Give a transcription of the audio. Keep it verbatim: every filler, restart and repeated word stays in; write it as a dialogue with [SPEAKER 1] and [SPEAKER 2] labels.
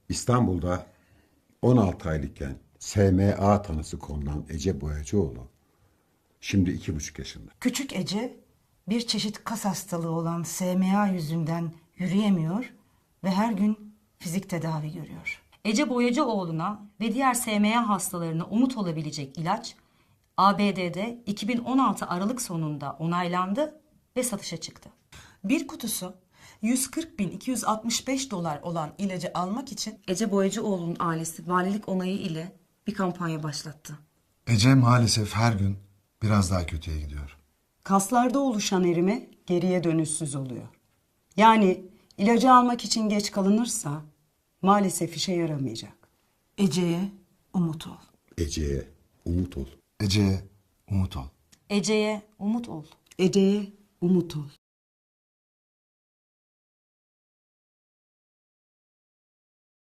[SPEAKER 1] İstanbul'da on altı aylıkken S M A tanısı konulan Ece Boyacıoğlu şimdi iki buçuk yaşında.
[SPEAKER 2] Küçük Ece bir çeşit kas hastalığı olan S M A yüzünden yürüyemiyor ve her gün fizik tedavi görüyor.
[SPEAKER 3] Ece Boyacıoğlu'na ve diğer S M A hastalarına umut olabilecek ilaç A B D'de iki bin on altı Aralık sonunda onaylandı ve satışa çıktı.
[SPEAKER 4] Bir kutusu yüz kırk bin iki yüz altmış beş dolar olan ilacı almak için
[SPEAKER 3] Ece Boyacıoğlu'nun ailesi valilik onayı ile bir kampanya başlattı.
[SPEAKER 5] Ece maalesef her gün biraz daha kötüye gidiyor.
[SPEAKER 6] Kaslarda oluşan erime geriye dönüşsüz oluyor. Yani ilacı almak için geç kalınırsa maalesef işe yaramayacak.
[SPEAKER 2] Ece'ye umut ol.
[SPEAKER 1] Ece'ye umut ol.
[SPEAKER 5] Ece'ye umut ol.
[SPEAKER 3] Ece'ye umut ol.
[SPEAKER 6] Ece'ye umut ol.